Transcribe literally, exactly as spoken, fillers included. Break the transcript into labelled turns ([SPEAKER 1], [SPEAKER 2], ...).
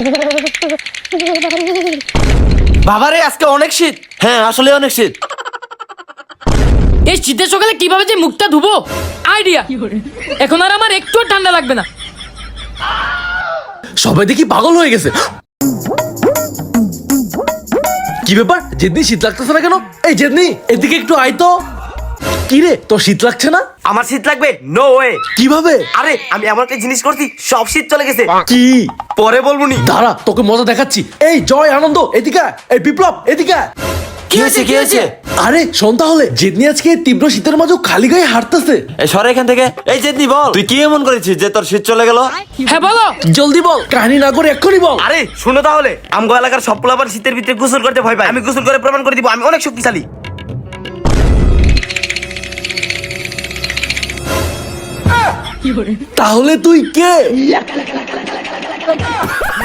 [SPEAKER 1] বাবারে আজকে অনেক শীত। হ্যাঁ আসলে অনেক শীত।
[SPEAKER 2] এই শীতের সকালে কিভাবে যে মুখটা ধুবো আইডিয়া। এখন আর আমার একটু ঠান্ডা লাগবে না।
[SPEAKER 3] সবাই দেখি পাগল হয়ে গেছে। কি ব্যাপার জেদনি, শীত লাগতেছে না কেন? এই জেদনি এদিকে একটু আয় তো। কি রে তোর শীত লাগছে না?
[SPEAKER 1] আমার শীত লাগবে? No way.
[SPEAKER 3] কিভাবে?
[SPEAKER 1] আরে আমি এমন একটা জিনিস করছি সব শীত চলে গেছে।
[SPEAKER 3] কি?
[SPEAKER 1] পরে বলবুনি।
[SPEAKER 3] দাঁড়া তোকে মজা দেখাচ্ছি। এই জয় আনন্দ এদিকে আয়। এই বিপ্লব এদিকে আয়।
[SPEAKER 1] কি হয়েছে কি হয়েছে?
[SPEAKER 3] আরে শোন তাহলে, জেদনি আজকে তীব্র শীতের মাঝেও খালি গায়ে হাঁটতেছে।
[SPEAKER 1] এই সরে এখান থেকে। এই জেদনি বল, তুই কি এমন করেছিস যে তোর শীত চলে গেল?
[SPEAKER 2] হ্যাঁ বলো।
[SPEAKER 3] জলদি বল, কাহিনী না করে এক্ষুনি বল।
[SPEAKER 1] আরে শুনো তাহলে, আমগো এলাকার সব পোলাপান শীতের ভিতরে গোসল করতে ভয় পায়। আমি গোসল করে প্রমাণ করে দিব আমি অনেক শক্তিশালী।
[SPEAKER 3] তাহলে তুই কে?